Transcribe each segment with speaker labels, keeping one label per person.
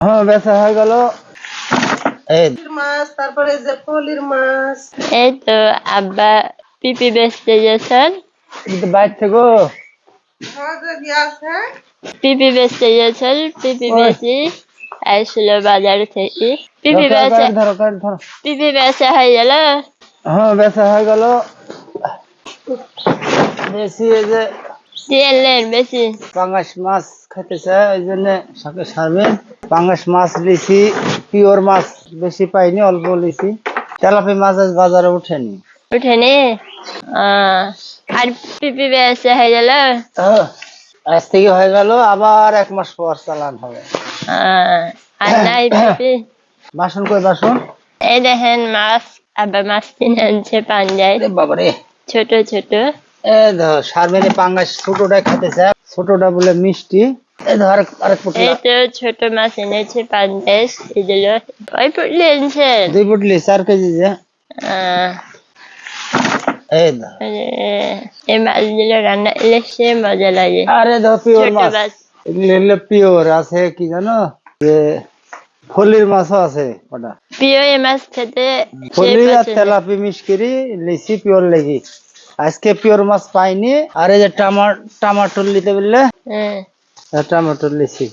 Speaker 1: হ্যাঁ, বেচা হয়ে গেল। এই
Speaker 2: মাছ, তারপরে যে পলির মাছ।
Speaker 3: এই তো আব্বা পিপি বেচতে গেছেন।
Speaker 1: কিন্তু বাইর থেকে
Speaker 2: আছে
Speaker 3: পিপি বেচতে গেছেন, পিপি
Speaker 1: ওই
Speaker 3: বেচি আসছিল বাজার থেকে।
Speaker 1: ধরো ধরো ধরো।
Speaker 3: পিপি বেচা হয়ে গেল।
Speaker 1: হ্যাঁ, বেচা হয়ে গেল। বেশি এই যে
Speaker 3: কি আনলেন বেশি?
Speaker 1: পাঙ্গাস মাছ খেতে চায়, ওই জন্য সাথে সারবেন। পাঙ্গাস মাছ লিছি, পিওর মাছ বেশি পাইনি, অল্প লিছি। তেলাপি মাছ আজ বাজারে উঠেনি।
Speaker 3: উঠেনি? আর পিপি বেচা হয়ে গেল।
Speaker 1: আজ থেকে হয়ে গেল, আবার 1 মাস পর চালান হবে।
Speaker 3: আর নাই পিপি?
Speaker 1: বাসন কই বাসন?
Speaker 3: এই দেখেন মাছ, আব্বা মাছ কিনে আনছে পাঞ্জায়,
Speaker 1: বাবারে,
Speaker 3: ছোট ছোট।
Speaker 1: সারবেন। পাঙ্গাস ছোটটা খেতে চায়, ছোটটা বলে মিষ্টি। এই ধর আরেক
Speaker 3: এই
Speaker 1: পুটলা।
Speaker 3: তো ছোট মাছ এনেছে পাঞ্জায়, এগুলো ওই পুটলি এনেছেন।
Speaker 1: 2 পুটলি 4 কেজি যে। এই ধর।
Speaker 3: এই মাছগুলো রান্না ইলিশে মজা লাগে।
Speaker 1: আরে ধর পিওর
Speaker 3: ছোট
Speaker 1: মাছ,
Speaker 3: মাছ।
Speaker 1: এগুলো হলো পিওর। আছে কি জানো, যে ফলির মাছও আছে। ওটা
Speaker 3: প্রিয় এই মাছ খেতে সেই
Speaker 1: ফলি আর
Speaker 3: পছন্দ।
Speaker 1: তেলাপি মিক্স করি লিচি পিওর লেগি। আজকে পিওর মাছ পাইনি। আর এই যে টমাটোর নিতে বললে, টমেটোর লিচি।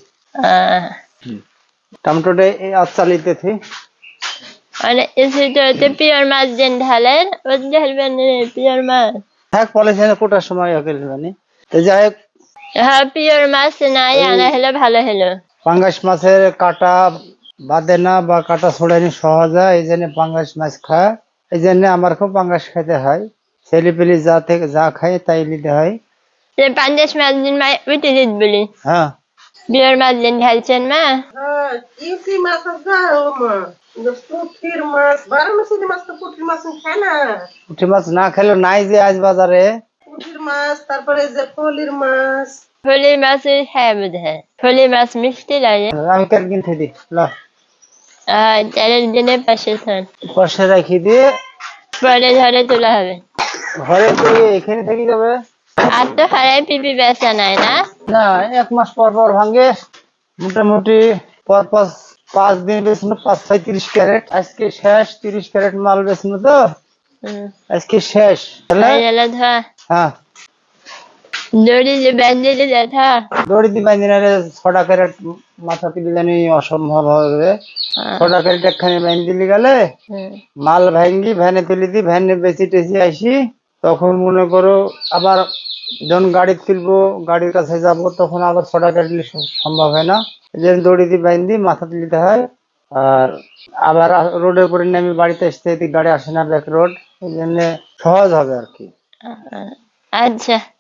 Speaker 1: টমেটোটা আচ্ছা লিতে থি।
Speaker 3: মানে এসে তো পিওর মাছ যেন ঢালেন, ওই ঢালবেন পিওর মাছ।
Speaker 1: হ্যাঁ, পলিথিনে কোটার সময় মানে। তো যাই হোক,
Speaker 3: হ্যাঁ, পিওর মাছ নাই আনা হলে ভালো হলো।
Speaker 1: পাঙ্গাস মাছের কাটা বাঁধে না বা কাটা ছড়ানি সহজ হয়, এই জন্য পাঙ্গাস মাছ খায়। এই জন্য আমার খুব পাঙ্গাস খেতে হয়। ছেলে পেলে যা খায় তাই নিতে হয়।
Speaker 3: পাঞ্জাশ মাছ দিন মা উঠে দিত বলি।
Speaker 1: হ্যাঁ,
Speaker 3: পিওর মাছ দিন ঢালছেন মা।
Speaker 2: ইউসি মাছ গাও মা, পুঁটির মাছ, বারাণসীর মাছ তো পুঁটির মাছ খায় না।
Speaker 1: পুঁটি মাছ না খেলে নাই যে আজ বাজারে।
Speaker 2: পুঁটির মাছ, তারপরে যে পলির মাছ।
Speaker 3: ফলি মাছ হ্যাঁ বোধ হয়, ফলি মাছ মিষ্টি লাগে।
Speaker 1: আমি কেন কিনতে দিই
Speaker 3: চালের দিনে পাশে থান,
Speaker 1: পাশে রাখি দিয়ে
Speaker 3: পরে ধরে তোলা হবে।
Speaker 1: ঘরে তৈরি এখানে থেকে যাবে।
Speaker 3: আর তো হারাই পিপি বেচা নাই না?
Speaker 1: না, 1 মাস পর পর ভাঙে। মোটামুটি পর 5 দিন বেচনো, 35 ক্যারেট। আজকে শেষ 30 ক্যারেট মাল বেচনো তো আজকে শেষ।
Speaker 3: হয়ে গেল ধোয়া।
Speaker 1: হ্যাঁ,
Speaker 3: দড়ি যে ব্যান্ডেলে দেখা।
Speaker 1: দড়ি দি বাইন্দি না, 6টা ক্যারেট মাথা তুলি জানি অসম্ভব হবে। 6টা ক্যারেট একখানে বাইন্দি দিলি গেলে মাল ভাঙ্গি ভ্যানে তুলি দি, ভ্যানে বেশি টেসি আসি। তখন মনে করো আবার যখন গাড়ি তুলবো, গাড়ির কাছে যাব, তখন আবার 6টা ক্যারেট সম্ভব হয় না। এই জন্য দড়ি দি বাইন্দি মাথা তুলিতে হয়। আর আবার রোডের উপরে নেমে বাড়িতে আসতে গাড়ি আসে না, ব্যাক রোড। এই জন্য সহজ হবে আর কি।
Speaker 3: আচ্ছা।